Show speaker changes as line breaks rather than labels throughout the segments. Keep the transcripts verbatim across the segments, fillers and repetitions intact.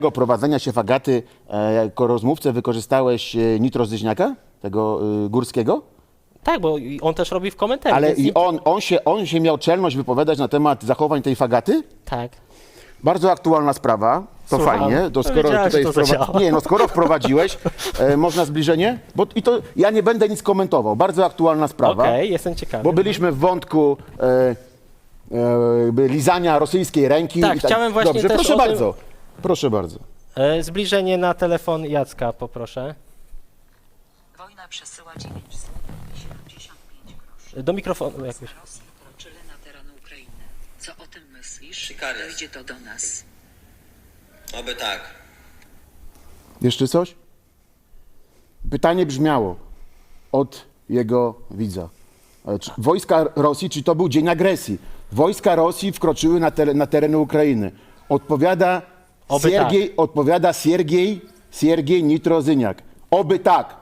prowadzenia się Fagaty e, jako rozmówcę wykorzystałeś e, Nitrozyźniaka, tego e, Górskiego?
Tak, bo on też robi w komentarzach.
Ale
więc
i
nie-
on, on, się, on się miał czelność wypowiadać na temat zachowań tej Fagaty?
Tak.
Bardzo aktualna sprawa, to
Słucham.
fajnie. To skoro
Wiedziałem,
tutaj
że to
wprowa-
zadziała.
Nie, no skoro wprowadziłeś, e, można zbliżenie? Bo i to ja nie będę nic komentował. Bardzo aktualna sprawa.
Okej, jestem ciekawy.
Bo byliśmy w wątku e, e, lizania rosyjskiej ręki.
Tak,
i
chciałem właśnie
Dobrze,
też
proszę
o tym-
bardzo. Proszę bardzo.
E, zbliżenie na telefon Jacka, poproszę.
Wojna przesyła dziewięćset siedemdziesiąt pięć groszy.
Do mikrofonu jakoś.
Rosji wkroczyli na teren Ukrainy. Co o tym myślisz?
Sykariusz.
Dojdzie to do nas.
Oby tak.
Jeszcze coś? Pytanie brzmiało od jego widza. E, Czy wojska Rosji, czy to był dzień agresji? Wojska Rosji wkroczyły na, teren, na tereny Ukrainy. Odpowiada
Oby
Siergiej, odpowiada Siergiej, Siergiej Nitrozyniak. Oby tak.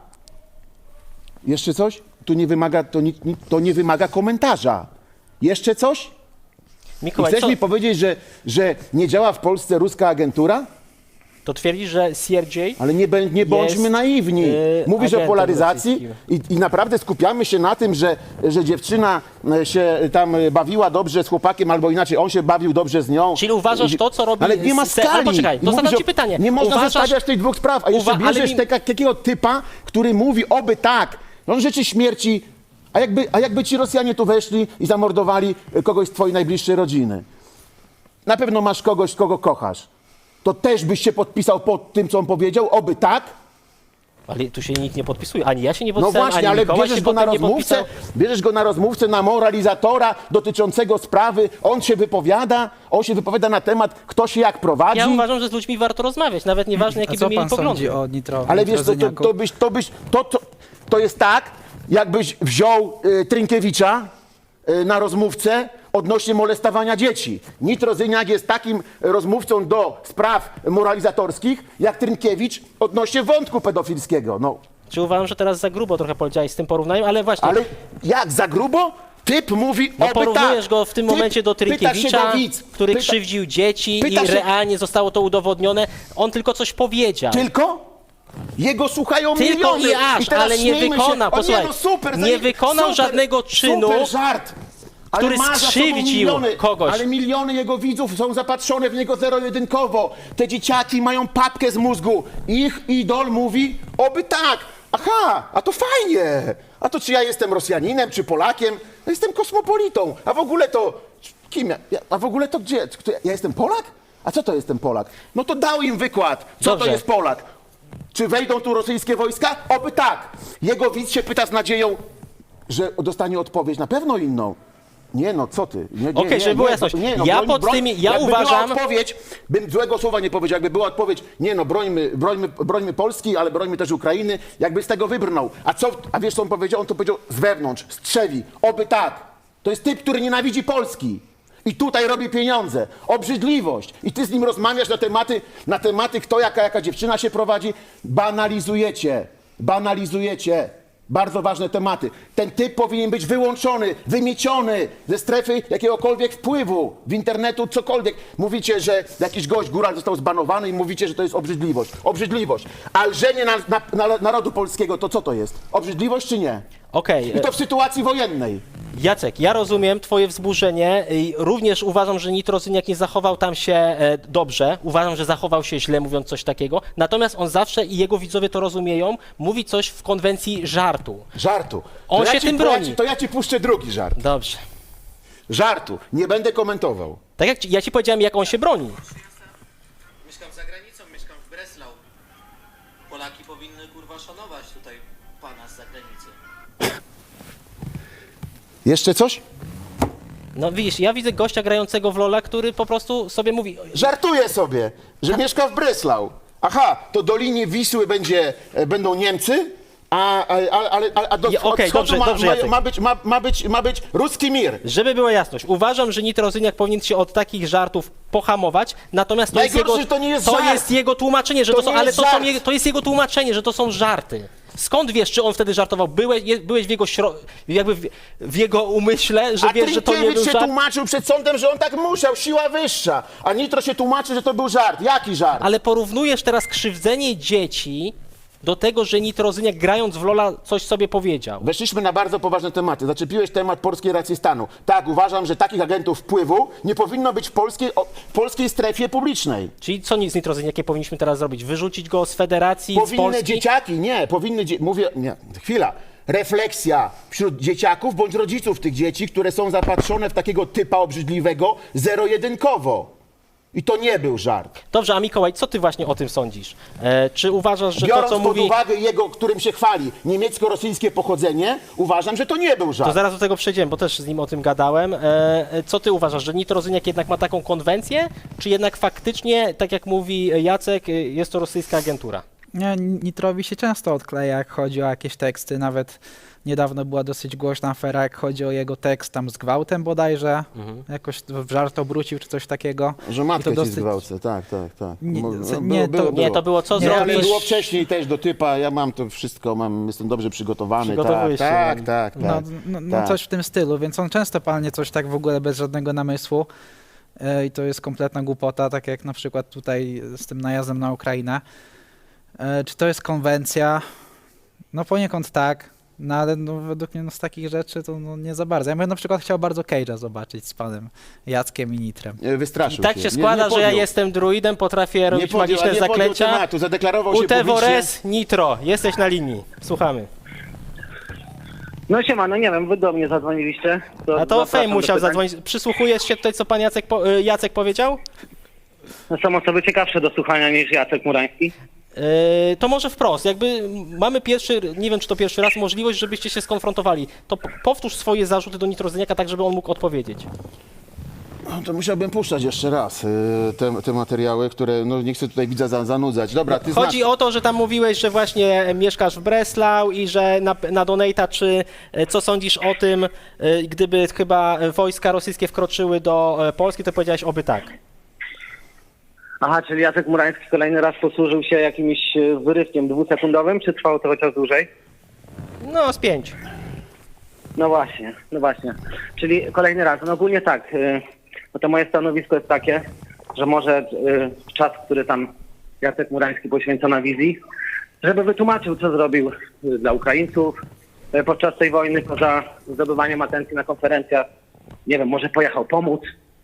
Jeszcze coś? Tu nie wymaga, to, nie, to nie wymaga komentarza. Jeszcze coś? I
Mikołaj,
chcesz
co,
mi powiedzieć, że, że nie działa w Polsce ruska agentura?
to twierdzisz, że Sierdziej...
Ale nie, bę- nie bądźmy
Jest,
naiwni.
yy,
Mówisz o
agentem
polaryzacji i, i naprawdę skupiamy się na tym, że, że dziewczyna e, się tam e, bawiła dobrze z chłopakiem, albo inaczej, on się bawił dobrze z nią.
Czyli uważasz
I-
to, co robi
Ale nie ma
se-
skali.
ale poczekaj,
I
to
mówisz
zadam
o-
ci pytanie.
Nie można
Uważasz-
zestawiać tych dwóch spraw, a jeszcze
Uwa- ale
bierzesz
mi-
taka, takiego typa, który mówi oby tak. On życzy śmierci, a jakby, a jakby ci Rosjanie tu weszli i zamordowali e, kogoś z twojej najbliższej rodziny. Na pewno masz kogoś, kogo kochasz. To też byś się podpisał pod tym, co on powiedział? Oby tak?
Ale tu się nikt nie podpisuje, ani ja się nie
No
podpisałem,
właśnie,
ani
ale
Mikołaj
bierzesz
się
go na
potem nie
rozmówcę,
podpisał.
bierzesz go na rozmówcę, na moralizatora dotyczącego sprawy, on się wypowiada, on się wypowiada na temat, kto się jak prowadzi.
Ja uważam, że z ludźmi warto rozmawiać, nawet nieważne,
A
jakie
co
by mieli
pan
poglądy.
sądzi o nitro,
Ale wiesz co, to,
nitrozyniaku?
to byś, to byś, to, to, to jest tak, jakbyś wziął y, Trynkiewicza y, na rozmówcę odnośnie molestowania dzieci. Nitrozyniak jest takim rozmówcą do spraw moralizatorskich, jak Trynkiewicz odnośnie wątku pedofilskiego. No.
Czy uważam, że teraz za grubo trochę powiedziałeś z tym porównaniem, ale właśnie...
Ale jak, za grubo? Typ mówi
No
oby
porównujesz
tak.
go w tym
Typ-
momencie do
pyta się
Trynkiewicza,
go widz,
który
pyta-
krzywdził dzieci
pyta
i
się-
realnie zostało to udowodnione. On tylko coś powiedział.
Tylko? Jego słuchają
Tylko
miliony.
i aż,
teraz
ale nie
śmiejmy
wykona,
Się. O
posłuchaj,
nie, no super,
nie
zaje-
wykonał
super,
żadnego czynu,
super żart. Ale
który
ma za sobą
skrzywdził
miliony,
kogoś.
Ale miliony jego widzów są zapatrzone w niego zero-jedynkowo. Te dzieciaki mają papkę z mózgu. Ich idol mówi, oby tak. Aha, a to fajnie. A to czy ja jestem Rosjaninem, czy Polakiem? Ja jestem kosmopolitą. A w ogóle to... Kim ja? ja a w ogóle to gdzie? Kto ja, ja jestem Polak? A co to jestem Polak? No to dał im wykład, co
Dobrze.
to jest Polak. Czy wejdą tu rosyjskie wojska? Oby tak. Jego widz się pyta z nadzieją, że dostanie odpowiedź na pewno inną. Nie no, co ty? Nie, nie,
Okej,
nie,
żeby była
nie,
jasność.
nie, no,
Ja
broń,
pod
broń,
tymi- ja
jakby
uważam-
była odpowiedź, bym złego słowa nie powiedział, jakby była odpowiedź, nie no, brońmy, brońmy, brońmy Polski, ale brońmy też Ukrainy, jakby z tego wybrnął. A co, a wiesz co on powiedział? On to powiedział z wewnątrz, strzewi, oby tak. To jest typ, który nienawidzi Polski. I tutaj robi pieniądze, obrzydliwość. I ty z nim rozmawiasz na tematy, na tematy kto, jaka, jaka dziewczyna się prowadzi. Banalizujecie, banalizujecie. Bardzo ważne tematy. Ten typ powinien być wyłączony, wymieciony ze strefy jakiegokolwiek wpływu w internetu, cokolwiek. Mówicie, że jakiś gość, góral został zbanowany i mówicie, że to jest obrzydliwość. Obrzydliwość. A lżenie na, na, na narodu polskiego, to co to jest? Obrzydliwość czy nie?
Okej,
I to w sytuacji wojennej.
Jacek, ja rozumiem twoje wzburzenie i również uważam, że Nitrozyniak nie zachował tam się e, dobrze. Uważam, że zachował się źle, mówiąc coś takiego. Natomiast on zawsze, i jego widzowie to rozumieją, mówi coś w konwencji żartu.
Żartu.
On
To
się
ja ci,
tym
to ja
broni.
ci- To ja ci puszczę drugi żart.
Dobrze.
Żartu. Nie będę komentował.
Tak jak ci, ja ci powiedziałem, jak on się broni.
Mieszkam za granicą, mieszkam w Breslau. Polaki powinny kurwa szanować tutaj pana z zagranicy.
Jeszcze coś?
No widzisz, ja widzę gościa grającego w Lola, który po prostu sobie mówi...
Żartuję sobie, że mieszka w Breslau. Aha, to do linii Wisły będzie, e, będą Niemcy, A, a, a, ale- a, a do
Ja-
od
okej,
wschodu
dobrze,
ma,
dobrze,
ma,
Jacek.
ma, być, ma, ma, być, ma być ruski mir.
Żeby była jasność, uważam, że Nitrozyniak powinien się od takich żartów pohamować, natomiast to jest
Najgorsze,
jego,
że to nie jest
to
żart.
jest jego tłumaczenie, że
To
to, są,
nie
ale
jest
to, są
żart.
jego, to jest jego tłumaczenie, że to są żarty. Skąd wiesz, czy on wtedy żartował? Byłeś, je- byłeś w jego śro... jakby w, w jego umyśle, że
A
wiesz, że to nie był
Trynkiewicz się
żart?
tłumaczył przed sądem, że on tak musiał, siła wyższa. A Nitro się tłumaczy, że to był żart. Jaki żart?
Ale porównujesz teraz krzywdzenie dzieci do tego, że Nitrozyniak grając w Lola coś sobie powiedział.
Weszliśmy na bardzo poważne tematy. Zaczepiłeś temat polskiej racji stanu. Tak, uważam, że takich agentów wpływu nie powinno być w polskiej, o, w polskiej strefie publicznej.
Czyli co z Nitrozyniakiem powinniśmy teraz zrobić? Wyrzucić go z federacji, z
Powinny
Polski?
dzieciaki, nie, powinny, dzie- mówię, nie, chwila. Refleksja wśród dzieciaków bądź rodziców tych dzieci, które są zapatrzone w takiego typa obrzydliwego zero-jedynkowo. I to nie był żart.
Dobrze, a Mikołaj, co ty właśnie o tym sądzisz? E, czy uważasz, że
Biorąc
to, co
pod
mówi...
uwagę jego, którym się chwali, niemiecko-rosyjskie pochodzenie, uważam, że to nie był żart.
To zaraz do tego przejdziemy, bo też z nim o tym gadałem. E, e, co ty uważasz, że Nitrozyniak jednak ma taką konwencję, czy jednak faktycznie, tak jak mówi Jacek, e, jest to rosyjska agentura?
Nie, Nitrowi się często odkleja, jak chodzi o jakieś teksty. Nawet niedawno była dosyć głośna afera, jak chodzi o jego tekst tam z gwałtem bodajże. Jakoś w żart obrócił czy coś takiego.
Że
I
matkę
to
ci
dosyć-
zgwałcę, tak, tak, tak.
Nie,
Mo-
co-
było-
nie, to-
było,
Nie,
było.
to było co
Nie,
Ale
zrobić...
było wcześniej też do typa, ja mam to wszystko, mam, jestem dobrze przygotowany. Tak,
Przygotowujesz się.
tak, tak, tak.
No, no, no
tak.
coś w tym stylu, więc on często palnie coś tak w ogóle bez żadnego namysłu. E, I to jest kompletna głupota, tak jak na przykład tutaj z tym najazdem na Ukrainę. E, Czy to jest konwencja? No poniekąd tak, no ale no, według mnie no, z takich rzeczy to no, nie za bardzo. Ja bym na przykład chciał bardzo Cage'a zobaczyć z panem Jackiem i Nitrem.
E,
I
Wystraszył
tak
się.
się
Nie-
składa,
nie
że ja
podjął.
jestem druidem, potrafię
Nie
robić
podjął, a
magiczne
nie podjął
zaklęcia.
tematu, zadeklarował się publicznie.
Utevores, Nitro, jesteś na linii. Słuchamy.
No siema, no nie wiem, wy do mnie zadzwoniliście.
A to
zapraszam
Fame
do
musiał
pytań.
zadzwonić. Przysłuchujesz się tutaj, co pan Jacek, po, y, Jacek powiedział?
No, są osoby ciekawsze do słuchania niż Jacek Murański.
Yy, to może wprost, jakby mamy pierwszy, nie wiem czy to pierwszy raz, możliwość, żebyście się skonfrontowali. To p- powtórz swoje zarzuty do Nitrozyniaka, tak żeby on mógł odpowiedzieć.
No, to musiałbym puszczać jeszcze raz e, te, te materiały, które, no nie chcę tutaj widza za, zanudzać. Dobra, ty
Chodzi
znasz...
o to, że tam mówiłeś, że właśnie mieszkasz w Breslau i że na, na Donata, czy e, co sądzisz o tym, e, gdyby chyba wojska rosyjskie wkroczyły do e, Polski, to powiedziałeś oby tak.
Aha, czyli Jacek Murański kolejny raz posłużył się jakimś e, wyrywkiem dwusekundowym, czy trwało to chociaż dłużej?
No, z pięć.
No właśnie, no właśnie. Czyli kolejny raz. No ogólnie tak, y, no to moje stanowisko jest takie, że może y, czas, który tam Jacek Murański poświęca na wizji, żeby wytłumaczył, co zrobił y, dla Ukraińców y, podczas tej wojny, poza zdobywaniem atencji na konferencjach. Nie wiem, może pojechał pomóc,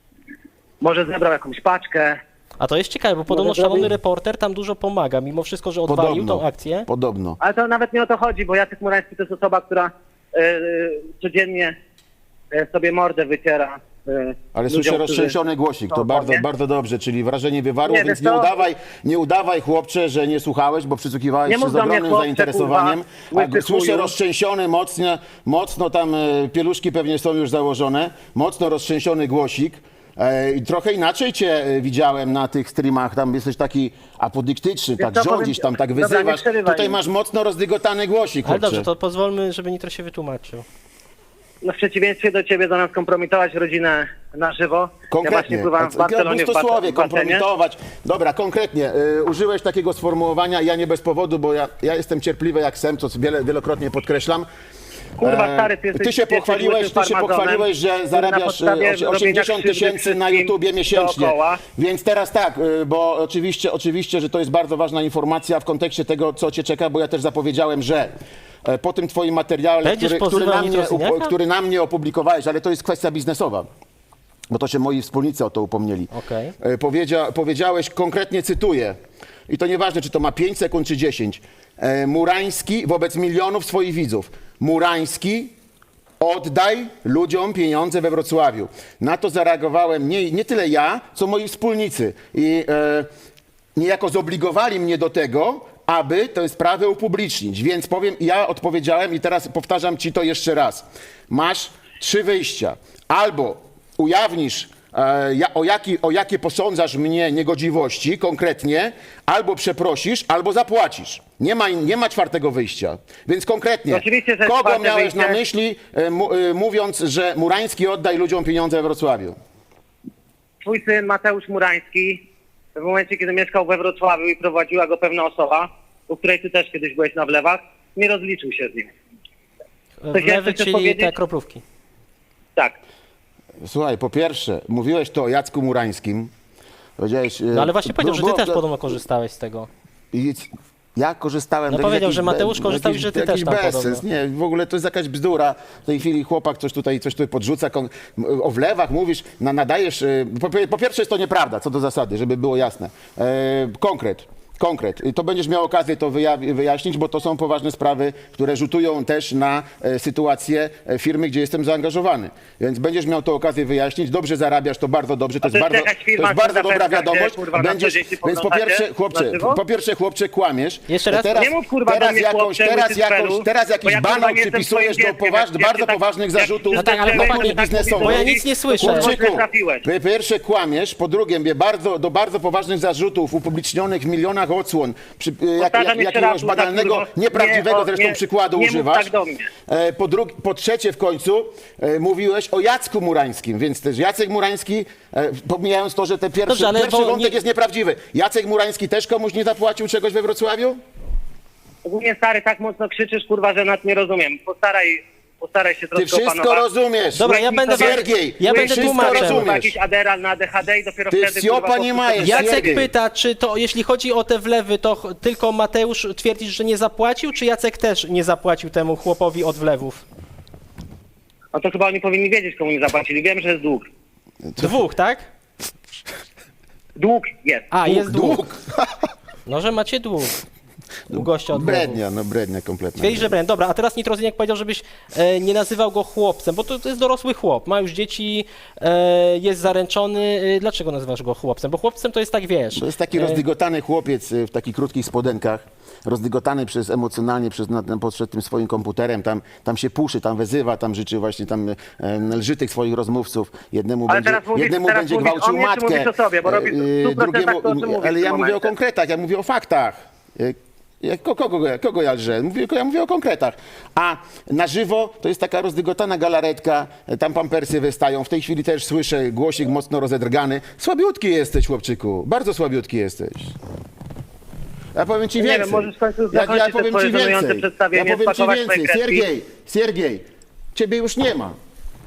może zebrał jakąś paczkę.
A to jest ciekawe, bo podobno
Może
szalony
zrobi-
reporter tam dużo pomaga, mimo wszystko, że odwalił tą akcję.
Podobno.
Ale to nawet nie o to chodzi, bo Jacek Murański to jest osoba, która y, y, codziennie y, sobie mordę wyciera. y,
Ale
ludziom,
słyszę
którzy-
roztrzęsiony głosik, to
No,
bardzo,
nie?
bardzo dobrze, czyli wrażenie wywarło,
Nie,
więc
wiesz
nie
co?
udawaj, nie udawaj chłopcze, że nie słuchałeś, bo przysłuchiwałeś
Nie
się
mów
z
do mnie,
ogromnym
chłopcze,
zainteresowaniem.
kurwa,
A
łysy
słyszę
chuju.
roztrzęsiony, mocno, mocno tam e, pieluszki pewnie są już założone, mocno roztrzęsiony głosik. E, I trochę inaczej cię e, widziałem na tych streamach, tam jesteś taki apodyktyczny, tak
co, powiem
rządzisz,
ci-
tam tak
Dobra, nie
wyzywasz.
przerywaj
Tutaj
mi.
masz mocno rozdygotany głosik,
Ale
chłopcze.
dobrze, to pozwólmy, żeby Nitro się wytłumaczył.
No w przeciwieństwie do ciebie, zamiast kompromitować rodzinę na żywo, ja
Konkretnie.
właśnie pływałem w Barcelonie w,
Bustosławie,
bas- w basenie.
kompromitować. Dobra, konkretnie. Y, użyłeś takiego sformułowania, ja nie bez powodu, bo ja, ja jestem cierpliwy jak sem, co wiele, wielokrotnie podkreślam.
Kurwa,
E,
stary, ty jesteś-
ty się
ty jesteś
pochwaliłeś,
łysym
ty się
farmazonem,
pochwaliłeś, że
który na
zarabiasz
podstawie
e, osie-
robienia
osiemdziesiąt
krzywdy
tysięcy na
wszystkim
YouTubie miesięcznie.
dookoła.
Więc teraz tak, y, bo oczywiście, oczywiście, że to jest bardzo ważna informacja w kontekście tego, co cię czeka, bo ja też zapowiedziałem, że e, po tym twoim materiale,
Będziesz
który, który,
pozywał
na mnie,
Nitrozyniaka?
upo- który na mnie opublikowałeś, ale to jest kwestia biznesowa. Bo to się moi wspólnicy o to upomnieli.
Okej.
E, Powiedzia, powiedziałeś, konkretnie cytuję, i to nieważne, czy to ma pięć sekund, czy dziesięć. E, Murański wobec milionów swoich widzów. Murański, oddaj ludziom pieniądze we Wrocławiu. Na to zareagowałem nie, nie tyle ja, co moi wspólnicy. I e, niejako zobligowali mnie do tego, aby tę sprawę upublicznić. Więc powiem, ja odpowiedziałem i teraz powtarzam ci to jeszcze raz. Masz trzy wyjścia. Albo ujawnisz e, ja, o, jaki, o jakie posądzasz mnie niegodziwości konkretnie, albo przeprosisz, albo zapłacisz. Nie ma, nie ma czwartego wyjścia. Więc konkretnie,
Oczywiście, że
kogo
czwarte
miałeś
wyjście-
na myśli, e, mu, e, mówiąc, że Murański oddaj ludziom pieniądze we Wrocławiu?
Twój syn Mateusz Murański, w momencie, kiedy mieszkał we Wrocławiu i prowadziła go pewna osoba, u której ty też kiedyś byłeś na wlewach, nie rozliczył się z nim. Coś jeszcze
Wlewy,
chcesz
czyli
powiedzieć?
te kroplówki.
Tak.
Słuchaj, po pierwsze, mówiłeś to o Jacku Murańskim. Powiedziałeś,
No ale właśnie powiedział, że ty
było-
też podobno korzystałeś z tego.
I ja korzystałem...
No
to jest
powiedział,
jakiś
że Mateusz
be-
korzystał i
jakiś-
że ty
jakiś
też tam
bezsens.
podobno.
Nie, w ogóle to jest jakaś bzdura. W tej chwili chłopak coś tutaj, coś tutaj podrzuca, kon- o wlewach mówisz, na, nadajesz... e, Po, po pierwsze jest to nieprawda, co do zasady, żeby było jasne. E, konkret. Konkret. I to będziesz miał okazję to wyja- wyjaśnić, bo to są poważne sprawy, które rzutują też na e, sytuację e, firmy, gdzie jestem zaangażowany. Więc będziesz miał to okazję wyjaśnić. Dobrze zarabiasz, to bardzo dobrze. To,
A to
jest
jest
bardzo,
jakaś
to
firma
jest bardzo dobra
Sylwestra, gdzie,
wiadomość.
kurwa, na
Będziesz,
co dzień się
więc po
poglądacie
pierwsze, chłopcze,
na żywo?
po pierwsze, chłopcze, kłamiesz.
Jeszcze raz?
Teraz,
Nie mów, kurwa, do
teraz
mnie,
jakąś,
chłopcze,
teraz
łysy
jakąś,
cfelu,
teraz
bo
jakiś
ja, kurwa,
banał
nie jestem
przypisujesz
twoim
do
dzieckiem,
poważ,
jak- jak
bardzo
ty tak-
poważnych
jak
zarzutów.
ty
No tak, ale
tak
chłopaki,
mówisz,
biznesowych.
bo ja nic nie słyszę.
kurwa,
Chłopczyku,
źle trafiłeś.
po pierwsze kłamiesz, po drugie mnie bardzo, do bardzo poważnych zarzutów upublicznionych w milionach odsłon, przy, jak,
Powtarzam
jak,
jeszcze
jakiegoś
raz, kurwa,
banalnego,
kurwa,
nieprawdziwego
nie, o,
zresztą
nie,
przykładu
nie mów
używasz.
tak do mnie.
E, Po, dru- po trzecie w końcu e, mówiłeś o Jacku Murańskim, więc też Jacek Murański, e, pomijając to, że ten pierwszy,
Dobrze, ale
pierwszy
bo
wątek
nie-
jest nieprawdziwy. Jacek Murański też komuś nie zapłacił czegoś we Wrocławiu?
Ogólnie, stary, tak mocno krzyczysz, kurwa, że nawet nie rozumiem. Postaraj, postaraj się
Ty
troszkę
wszystko
opanować.
rozumiesz.
Dobra, ja
mi
będę
sobie-
Siergiej,
ja
ty
będę
wszystko
tłumaczył.
Kurwa,
rozumiesz.
jakiś Adderall na A D H D i dopiero
Ty
wtedy,
wsiopa
kurwa,
nie
po-
majesz.
Jacek
Siergiej.
pyta, czy to, jeśli chodzi o te wlewy, to ch- tylko Mateusz twierdzisz, że nie zapłacił, czy Jacek też nie zapłacił temu chłopowi od wlewów?
No to chyba oni powinni wiedzieć, komu nie zapłacili. Wiem, że jest dług.
Dwóch, tak?
Dług jest.
A, jest dług.
Dług.
No, że macie dług. U gościa od wlewów.
Brednia, no brednia kompletna.
Twierdzi, że brand. Dobra, a teraz Nitrozyniak powiedział, żebyś e, nie nazywał go chłopcem, bo to, to jest dorosły chłop, ma już dzieci, e, jest zaręczony. E, dlaczego nazywasz go chłopcem? Bo chłopcem to jest tak, wiesz...
To jest taki
e,
rozdygotany chłopiec y, w takich krótkich spodenkach, rozdygotany przez emocjonalnie przez na, na, przed tym swoim komputerem, tam, tam się puszy, tam wezywa, tam życzy właśnie, tam e, lży tych swoich rozmówców. Jednemu
Ale
będzie,
teraz mówisz-
jednemu
teraz
będzie
mówisz o
gwałcił
mnie, czy
matkę,
mówisz o sobie? Bo robisz w
e,
stu procentach to, o czym mówisz
ale
w
ja
tym
mówię o
momencie.
konkretach, ja mówię o faktach. E, Ja, ko- kogo, kogo ja lżę? Mówię, ja mówię o konkretach. A na żywo to jest taka rozdygotana galaretka, tam pampersy wystają. W tej chwili też słyszę głosik mocno rozedrgany. Słabiutki jesteś, chłopczyku. Bardzo słabiutki jesteś. Ja powiem ci
Nie
więcej.
wiem, możesz w końcu
ja,
zakończyć
ja
te
powiem
swoje
ci
żenujące
więcej. Ja
przedstawienie,
powiem ci
spakować swoje
więcej.
kredki.
Siergiej, Siergiej, ciebie już nie ma.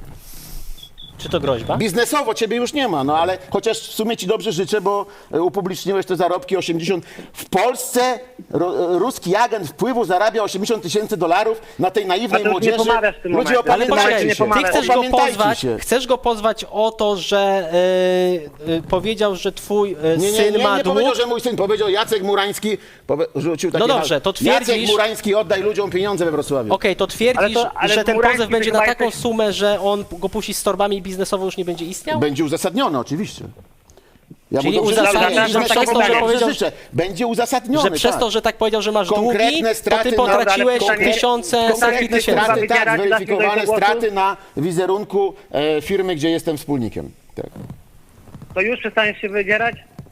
Czy to groźba?
Biznesowo ciebie już nie ma, no ale chociaż w sumie ci dobrze życzę, bo e, upubliczniłeś te zarobki osiemdziesiąt. W Polsce ro, e, ruski agent wpływu zarabia osiemdziesiąt tysięcy dolarów na tej
A
naiwnej
to już nie
młodzieży.
pomawiasz w tym
Ludzie,
momencie.
Ale
opamiętajcie
poczekaj,
nie
się.
ty
pomawiasz.
chcesz go
Opamiętajcie
pozwać,
się.
chcesz go pozwać o to, że e, e, powiedział, że twój e,
Nie, nie,
syn
nie,
ma
nie
dług.
powiedział, że mój syn powiedział Jacek Murański, powie, rzucił takie
No dobrze,
hasło.
to twierdzisz-
Jacek Murański, oddaj ludziom pieniądze we Wrocławiu.
Okej, to twierdzisz,
Ale to- ale
że ten
Murański
pozew będzie
chyba
na taką
jesteś-
sumę, że on go puści z torbami i biznesowo już nie będzie istniał?
Będzie uzasadnione, oczywiście. Ja
Czyli
mu dobrze
uzasadnisz,
życzę,
że
biznesowo
tak jest to,
mu
że
dobrze
powiedział-
życzę. Będzie uzasadnione,
Że przez
tak.
to, że tak powiedział, że masz długi,
Konkretne
to
straty
ty
na-
potraciłeś
ale konkre-
tysiące, setki
Konkretne
tysięcy.
straty,
Wybierać,
tak,
dasz mi
zweryfikowane
dojść do głosu?
straty na wizerunku e, firmy, gdzie jestem wspólnikiem. Tak.
To już przestaniesz się wydzierać?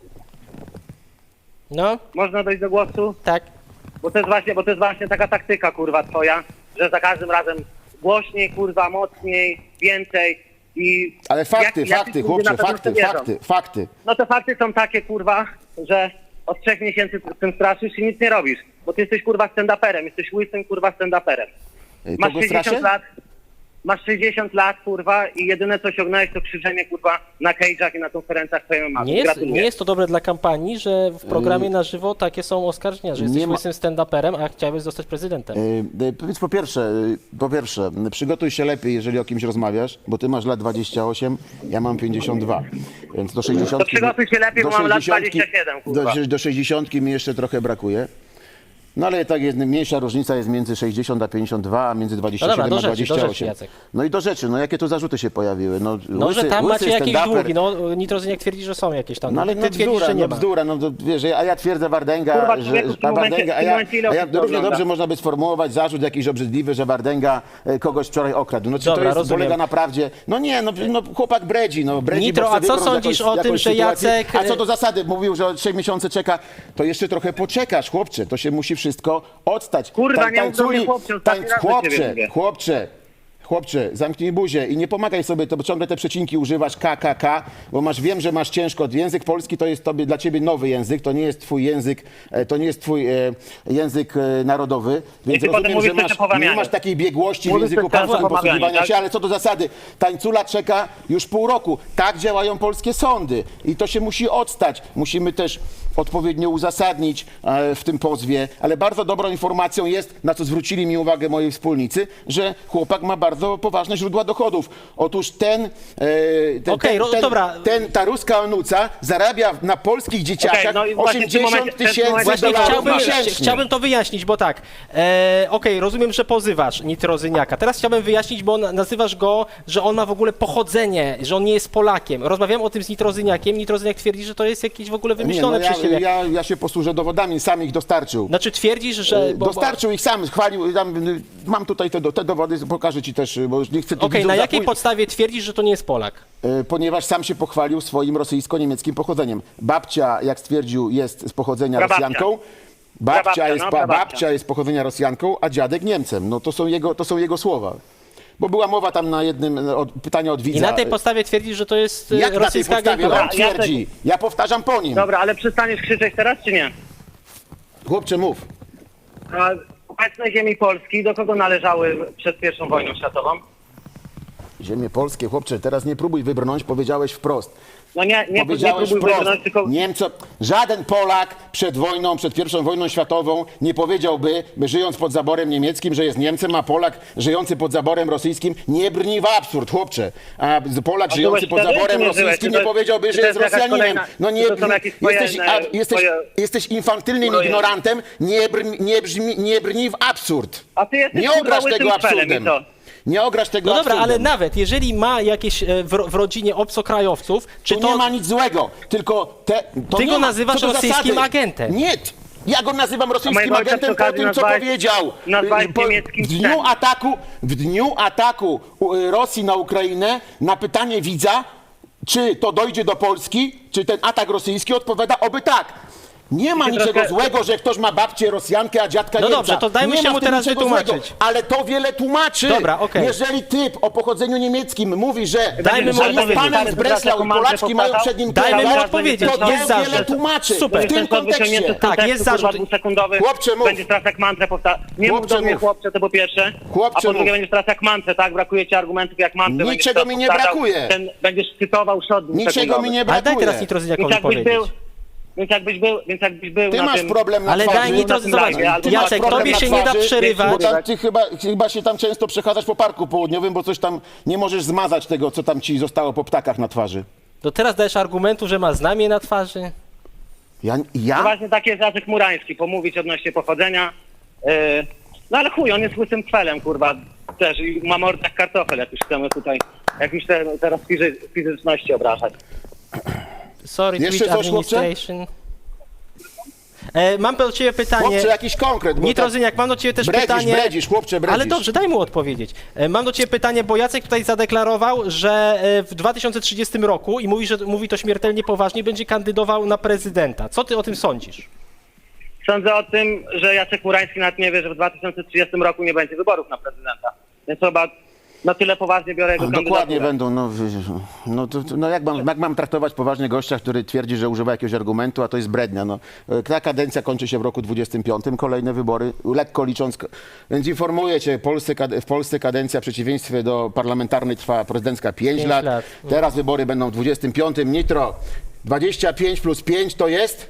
No,
Można dojść do głosu?
tak.
Bo to jest właśnie, bo to jest właśnie taka taktyka, kurwa, twoja, że za każdym razem głośniej, kurwa, mocniej, więcej i...
Ale fakty,
jak- jacyś
fakty,
ludzie
chłopcze,
na pewno w to
fakty,
wierzą.
fakty, fakty.
No te fakty są takie, kurwa, że od trzech miesięcy z tym straszysz i nic nie robisz. Bo ty jesteś, kurwa, stand-uperem, jesteś łysym, kurwa, stand-uperem.
E,
Masz
Kogo
sześćdziesiąt
straszę?
lat, masz sześćdziesiąt lat, kurwa, i jedyne co osiągnąłeś to krzyczenie, kurwa, na cage'ach i na konferencjach twojej mamy.
Nie jest,
Gratuluję.
nie jest to dobre dla kampanii, że w programie na żywo takie są oskarżenia, że jesteś
nie ma-
łysym stand-uperem, a chciałbyś zostać prezydentem.
E, e, Powiedz po pierwsze, e, po pierwsze, m, przygotuj się lepiej, jeżeli o kimś rozmawiasz, bo ty masz lat dwadzieścia osiem, ja mam pięćdziesiąt dwa, więc do sześćdziesiątki...
To przygotuj się lepiej,
do
bo mam lat
sześćdziesiątki
dwadzieścia siedem, kurwa.
Do, do sześćdziesiątki mi jeszcze trochę brakuje. No ale tak jest, mniejsza różnica jest między sześćdziesiąt a pięćdziesiąt dwa, a między dwadzieścia
No
siedem
dobra, do
a
rzeczy, do
dwadzieścia
rzeczy,
osiem.
Jacek.
No i do rzeczy, no jakie tu zarzuty się pojawiły? No,
No,
łysy,
że tam
łysy
macie jakieś
stand-uper.
długi, no Nitrozyniak twierdzi, że są jakieś tam
No ale
Ty
no
twierdzisz,
bzdura,
że nie
no
ma.
bzdura, no to wiesz, a ja twierdzę Wardęga,
Kurwa,
że,
człowieku, w tym
a
momencie-
Wardęga, a
w tym
ja,
momencie ile
a ja
osób to
równie
ogląda?
dobrze można by sformułować zarzut jakiś obrzydliwy, że Wardęga e, kogoś wczoraj okradł. No czy
Dobra,
to jest,
rozumiem.
polega na prawdzie? No nie, no, no chłopak bredzi, no bredzi,
Nitro,
bo chce
a co
wybrnąć
sądzisz
jakąś-
o tym,
jakąś
że
sytuację.
Jacek-
A co do zasady, mówił, że od trzech miesięcy czeka, to jeszcze trochę poczekasz, chłopcze, to się musi wszystko odstać.
Kurwa,
Tań-
nie mów do mnie,
tańculi-
chłopcze, ostatni
tańc-
raz do ciebie
chłopcze,
mówię.
chłopcze, chłopcze, zamknij buzię i nie pomagaj sobie, to bo ciągle te przecinki używasz K, K, K, bo masz, wiem, że masz ciężko. Język polski to jest tobie, dla ciebie nowy język, to nie jest twój język, e, to nie jest twój e, język e, narodowy, więc
ty potem
rozumiem,
mówisz
że
coś
masz,
o pomawianiu.
nie masz takiej biegłości w
Mówisz
języku
coś o
polskim
pomawianiu,
posługiwania
tak?
się, ale co do zasady, tańcula czeka już pół roku. Tak działają polskie sądy i to się musi odstać. Musimy też odpowiednio uzasadnić e, w tym pozwie, ale bardzo dobrą informacją jest, na co zwrócili mi uwagę moi wspólnicy, że chłopak ma bardzo poważne źródła dochodów. Otóż ten, e, ten,
Okej,
ten,
ro-
ten,
dobra.
ten ta ruska onuca zarabia na polskich dzieciakach
no i właśnie w tym
osiemdziesiąt
momencie- w tym
tysięcy
momencie
Właśnie
dolarów
chciałbym,
miesięcznie.
chciałbym to wyjaśnić, bo tak, e, okej, rozumiem, że pozywasz Nitrozyniaka. Teraz chciałbym wyjaśnić, bo na- nazywasz go, że on ma w ogóle pochodzenie, że on nie jest Polakiem. Rozmawiałem o tym z Nitrozyniakiem, Nitrozyniak twierdzi, że to jest jakieś w ogóle
Nie,
wymyślone
no ja,
przez ciebie.
ja, ja się posłużę dowodami, sam ich dostarczył.
Znaczy twierdzisz, że... bo- bo-
Dostarczył ich sam, chwalił, tam, y, mam tutaj te, do- te dowody, pokażę ci też, y, bo już nie chcę tu
Okej,
widzów
na jakiej
zapój-
podstawie twierdzisz, że to nie jest Polak?
y, ponieważ sam się pochwalił swoim rosyjsko-niemieckim pochodzeniem. Babcia, jak stwierdził, jest z pochodzenia
Prababcia.
Rosjanką. Babcia,
Prababcia,
jest,
no,
pa,
prababcia.
babcia jest z pochodzenia Rosjanką, a dziadek Niemcem. No to są jego, to są jego słowa. Bo była mowa tam na jednym y, od, pytania od widza.
I na tej podstawie twierdzisz, że to jest e,
Jak na tej
rosyjska
podstawie
agentura?
on twierdzi? Ja powtarzam po nim.
Dobra, ale przestaniesz krzyczeć teraz, czy nie?
Chłopcze, mów.
A obecne ziemi Polski do kogo należały przed pierwszą wojną światową?
Ziemie polskie, chłopcze, teraz nie próbuj wybrnąć, powiedziałeś wprost.
No nie, nie, nie
Powiedziałeś
próbuj
wprost,
wybrnąć, tylko...
Niemco, żaden Polak przed wojną, przed pierwszą wojną światową nie powiedziałby, by żyjąc pod zaborem niemieckim, że jest Niemcem, a Polak żyjący pod zaborem rosyjskim nie brni w absurd, chłopcze. A Polak
A
żyjący
byłeś
pod
wtedy,
zaborem
czy nie byłeś?
rosyjskim
Czy to-
nie powiedziałby,
czy
że
to
jest
jest jakaś
Rosjaninem.
kolejna-
No nie,
czy to są jakieś twoje,
jesteś, a,
e,
jesteś,
twoje-
jesteś infantylnym
twoje-
ignorantem, nie, brni, nie, brzmi, nie brni w absurd.
A ty jesteś,
Nie
kurwa,
ograsz
łysym
tego
felem i
absurdem.
co?
Nie ograsz tego
No dobra, ale
absurdem.
nawet jeżeli ma jakieś e, w, ro- w rodzinie obcokrajowców, czy
Tu
to...
nie ma nic złego, tylko te, to
Ty
nie
go
ma,
nazywasz
co do
rosyjskim
zasady.
agentem.
Nie, ja go nazywam rosyjskim
mojego ojca
agentem
przy
po
okazji
tym, co
nazwałeś-
powiedział.
nazwałeś
Po-
niemieckim
w dniu
psem.
ataku, w dniu ataku y, Rosji na Ukrainę na pytanie widza, czy to dojdzie do Polski, czy ten atak rosyjski, odpowiada oby tak. Nie ma
Ty
niczego
troszkę-
złego, że ktoś ma babcię Rosjankę, a dziadka
No
Niemca.
dobrze, to dajmy
nie
się
ma
mu
w tym
teraz
niczego
wytłumaczyć.
złego, ale to wiele tłumaczy.
Dobra, okej.
Jeżeli typ o pochodzeniu niemieckim mówi, że,
Dajmy mu
że jest
odpowiedzieć.
panem z Breslau i Polaczki mają przed nim
Dajmy mu
kierować,
odpowiedzieć.
to
Jest
to wiele
zarzut.
tłumaczy.
Super.
W tym
Ten kod wyciągnięty
kontekście.
z
Tak,
kontekstu,
jest
kurwa,
zarzut.
dwusekundowy.
Chłopcze, mów.
Będziesz teraz jak mantrę powtarzał. Nie mów
Chłopcze,
do mnie
mów.
chłopcze, to po pierwsze.
Chłopcze,
a po drugie
mów.
będziesz teraz jak mantrę, tak? Brakuje ci argumentów jak mantrę.
Niczego
będziesz teraz
mi nie
powtarzał.
brakuje.
Ten, będziesz cytował szot
Niczego
dwusekundowy.
mi nie
Ale
brakuje.
daj teraz
Więc
Nitrozyniakowi
jakbyś
powiedzieć.
był... Więc jakbyś był, więc jakbyś był
Ty
na
masz
tym...
problem na
Ale
twarzy.
daj Nitro,
na tym
zobacz,
live, ale
Ty
masz
Jacek,
problem
tobie
na
się nie da
twarzy,
przerywać.
Bo tam, ty chyba, chyba się tam często przechadzasz po parku południowym, bo coś tam nie możesz zmazać tego, co tam ci zostało po ptakach na twarzy.
To teraz dajesz argumentu, że ma znamie na twarzy?
Ja?
No
ja?
właśnie taki jest Jacek Murański, pomówić odnośnie pochodzenia. Yy, no ale chuj, on jest łysym kwelem, kurwa, też i ma mordę jak kartofel, jak już chcemy tutaj jakimś te, teraz fizy, fizyczności obrażać.
Sorry,
Jeszcze
Twitch
coś, chłopcze?
Administration. E, mam do ciebie pytanie.
Chłopcze, jakiś konkret. bo
Nitrozyniak, mam do ciebie też
bredzisz,
pytanie.
bredzisz, chłopcze, bredzisz.
Ale dobrze, daj mu odpowiedzieć. E, Mam do ciebie pytanie, bo Jacek tutaj zadeklarował, że e, w dwa tysiące trzydziestym roku i mówi, że mówi to śmiertelnie poważnie, będzie kandydował na prezydenta. Co ty o tym sądzisz?
Sądzę o tym, że Jacek Murański nawet nie wie, że w dwa tysiące trzydziestym roku nie będzie wyborów na prezydenta. Więc chyba na tyle poważnie biorę jego
Dokładnie
kandydaturę.
będą, no, wiesz, no, to, to, no jak, mam, jak mam traktować poważnie gościa, który twierdzi, że używa jakiegoś argumentu, a to jest brednia. No. Ta kadencja kończy się w roku dwudziestym piątym, kolejne wybory, lekko licząc. Więc informuję cię, Polsce, w Polsce kadencja w przeciwieństwie do parlamentarnej trwa prezydencka pięć
Pięć
lat.
lat.
Teraz wybory będą w dwudziestym piątym. Nitro, dwadzieścia pięć plus pięć to jest?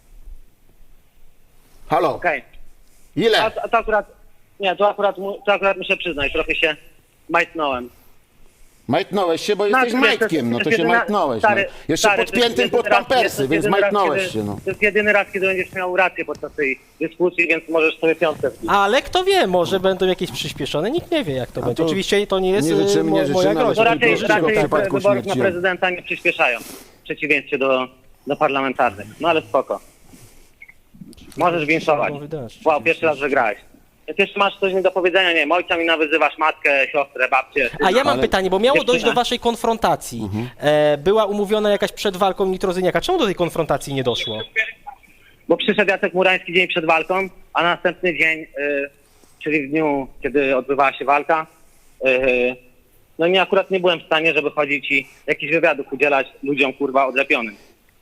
Halo,
Okej.
ile?
A, a to akurat, nie, to akurat, mu- to akurat muszę przyznać, trochę się majtnąłem.
Majtnąłeś się, bo jesteś
Znaczy, wiesz,
majtkiem, no
jest
to się
jedyna-
majtnąłeś.
stary,
No. Jeszcze
stary, to jest
podpiętym
jedyny
pod
raz-
pampersy,
jest
więc
jedyny raz,
majtnąłeś
kiedy-
się. No.
To jest jedyny raz, kiedy będziesz miał rację podczas tej dyskusji, więc możesz sobie piątkę wbić.
Ale kto wie, może będą jakieś przyspieszone, nikt nie wie, jak to będzie.
to
Oczywiście to nie jest
nie życzymy,
e,
nie
mo-
życzymy,
moja
ale
To
groźba.
żeby
raczej,
było wszystko w
raczej
przypadku
wyborów na
śmierci.
prezydenta nie przyspieszają, w przeciwieństwie do, do parlamentarnych. No ale spoko. Możesz winszować. Wow, pierwszy raz wygrałeś. Jak jeszcze masz coś mi do powiedzenia, nie wiem, ojca mi nawyzywasz, matkę, siostrę, babcię.
A ja mam
Ale-
pytanie, bo miało dojść do
Dziewczyna.
waszej konfrontacji. E, była umówiona jakaś przed walką Nitrozyniaka. Czemu do tej konfrontacji nie doszło?
Bo przyszedł Jacek Murański dzień przed walką, a następny dzień, y, czyli w dniu, kiedy odbywała się walka, y, no i akurat nie byłem w stanie, żeby chodzić i jakichś wywiadów udzielać ludziom, kurwa, odlepionym.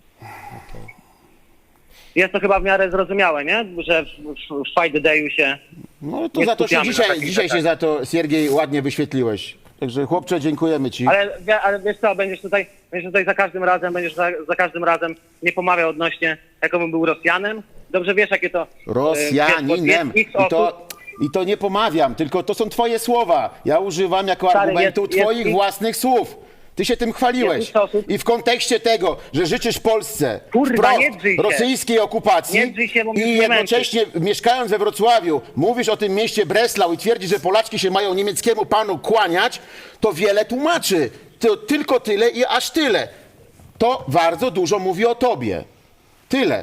Jest to chyba w miarę zrozumiałe, nie? Że w, w, w Fight Dayu się...
No to
Nie
za to się
skupiamy na
dzisiaj,
takich
dzisiaj się
rzeczach.
za to, Siergiej, ładnie wyświetliłeś. Także chłopcze, dziękujemy ci.
Ale, wie- ale wiesz co, będziesz tutaj, będziesz tutaj za każdym razem, będziesz za, za każdym razem nie pomawiał odnośnie, jakobym był Rosjanem. Dobrze wiesz, jakie to... y,
Rosjaninem.
wiesz,
I
bo jest
to,
osób-
I to nie pomawiam, tylko to są twoje słowa. Ja używam jako
Stary,
argumentu
jest- jest
twoich
ich-
własnych słów. Ty się tym chwaliłeś.
Jest ich osób-
I w kontekście tego, że życzysz Polsce
Kurwa,
wprost
nie drzyj się.
rosyjskiej okupacji
Nie drzyj się, bo mnie
i
nie
jednocześnie mieszkając we Wrocławiu mówisz o tym mieście Breslau i twierdzisz, że Polaczki się mają niemieckiemu panu kłaniać, to wiele tłumaczy. To tylko tyle i aż tyle. To bardzo dużo mówi o tobie. Tyle.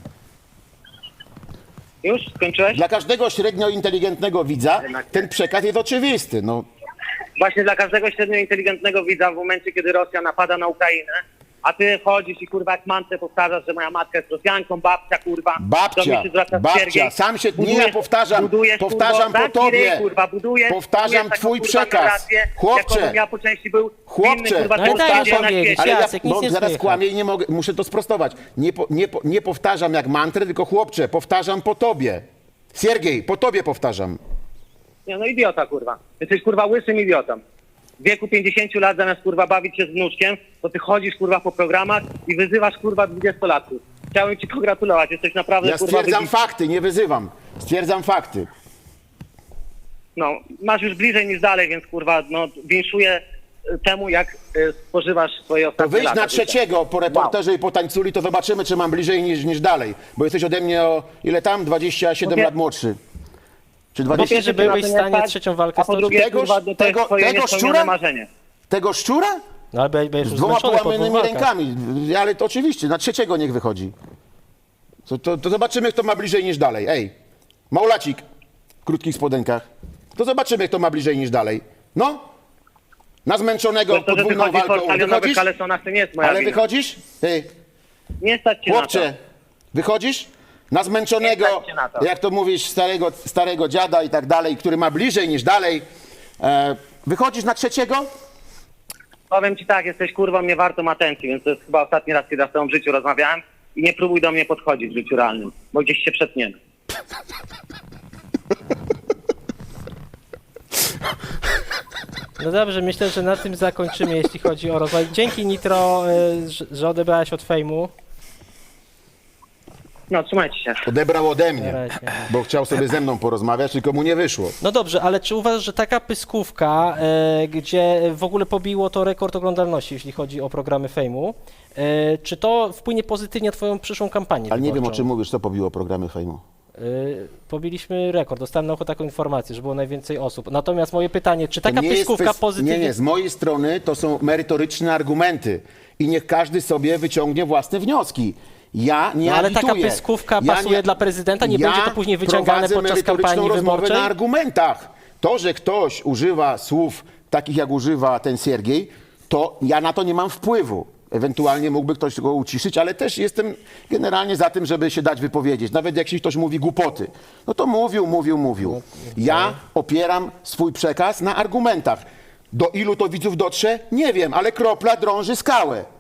Już? Skończyłeś?
Dla każdego średnio inteligentnego widza
Jednak nie.
ten przekaz jest oczywisty. No,
Właśnie dla każdego średnio inteligentnego widza w momencie, kiedy Rosja napada na Ukrainę, a ty chodzisz i kurwa jak mantrę powtarzasz, że moja matka jest Rosjanką, babcia kurwa. do
babcia,
mnie się zwraca
babcia,
Siergiej.
sam się, nie
Budujesz-
ja powtarzam,
budujesz,
powtarzam
kurwa,
po
taki
tobie,
ryj, kurwa, budujesz,
powtarzam
budujesz taką,
twój
kurwa,
przekaz.
narrację,
Chłopcze,
jaką ja po części był
chłopcze,
winny, kurwa,
No ale daj
powtarzać
mu
na
powiedzieć,
świecie.
ale ja
Jacek, nic
bo
nie
zaraz
słychać.
kłamię i nie mogę, muszę to sprostować. Nie, po, nie, po, nie powtarzam jak mantrę, tylko chłopcze, powtarzam po tobie. Siergiej, po tobie powtarzam.
Nie, no idiota, kurwa. Jesteś, kurwa, łysym idiotą. W wieku pięćdziesięciu lat zamiast, kurwa, bawić się z wnuczkiem, to ty chodzisz, kurwa, po programach i wyzywasz, kurwa, dwudziestolatków. Chciałem ci pogratulować, jesteś naprawdę,
Ja
kurwa,
stwierdzam
wybitny.
fakty, nie wyzywam. Stwierdzam fakty.
No, masz już bliżej niż dalej, więc, kurwa, no, winszuję y, temu, jak y, spożywasz swoje
To
ostatnie
wyjdź
lata
na
życia.
trzeciego po reporterze i po tańculi, to zobaczymy, czy mam bliżej niż, niż dalej. Bo jesteś ode mnie o ile tam? dwadzieścia siedem
No wie-
lat młodszy. Czy
Po
dwadzieścia
Myślisz, że
pierwsze,
byłeś
cię
w
na to nie
stanie
stać,
trzecią walkę
a po
stoczyć?
drugie,
Tegoż-
kurwa, to
tego-
jest twoje
tego
niespełnione
szczura?
marzenie.
Tego szczura?
No ale będziesz
Z
już
dwoma
zmęczony po dwóch
połamanymi
walkach.
rękami. Ale to oczywiście, na trzeciego niech wychodzi. To, to, to zobaczymy, kto ma bliżej niż dalej. Ej, Maulacik w krótkich spodenkach. To zobaczymy, kto ma bliżej niż dalej. No, na zmęczonego
To, to, że ty
podwójną
chodzisz po
walką.
stadionowych
Wychodzisz?
kalesonach, to nie jest moja
Ale
wina.
wychodzisz? Ty,
Nie stać cię na
chłopcze,
to.
wychodzisz? Na zmęczonego,
Nie stać cię na to.
jak to mówisz, starego, starego dziada i tak dalej, który ma bliżej niż dalej. E, wychodzisz na trzeciego?
Powiem ci tak, jesteś kurwą nie wartą atencji, więc to jest chyba ostatni raz, kiedy ja z tobą w życiu rozmawiałem i nie próbuj do mnie podchodzić w życiu realnym, bo gdzieś się przetniemy.
No dobrze, myślę, że na tym zakończymy, jeśli chodzi o rozwój. Dzięki Nitro, y, że- że odebrałeś od fejmu.
No, trzymajcie się.
Odebrał ode
Na
mnie,
razie.
bo chciał sobie ze mną porozmawiać, tylko mu nie wyszło.
No dobrze, ale czy uważasz, że taka pyskówka, e, gdzie w ogóle pobiło to rekord oglądalności, jeśli chodzi o programy fejmu, e, czy to wpłynie pozytywnie na twoją przyszłą kampanię
Ale nie wiem, o
wyborczą?
czym mówisz, co pobiło programy fejmu.
E, pobiliśmy rekord, dostałem na ucho taką informację, że było najwięcej osób. Natomiast moje pytanie, czy
To
taka
nie jest
pyskówka
kwest-
pozytywnie...
Nie, nie, z mojej strony to są merytoryczne argumenty i niech każdy sobie wyciągnie własne wnioski. Ja nie
No, ale taka
agituję.
pyskówka pasuje dla prezydenta? Nie
ja
będzie to później wyciągane
prowadzę
podczas
merytoryczną
kampanii
rozmowę
wyborczej?
na argumentach. To, że ktoś używa słów takich, jak używa ten Siergiej, to ja na to nie mam wpływu. Ewentualnie mógłby ktoś go uciszyć, ale też jestem generalnie za tym, żeby się dać wypowiedzieć. Nawet jak się ktoś mówi głupoty, no to mówił, mówił, mówił. Ja opieram swój przekaz na argumentach. Do ilu to widzów dotrze? Nie wiem, ale kropla drąży skałę.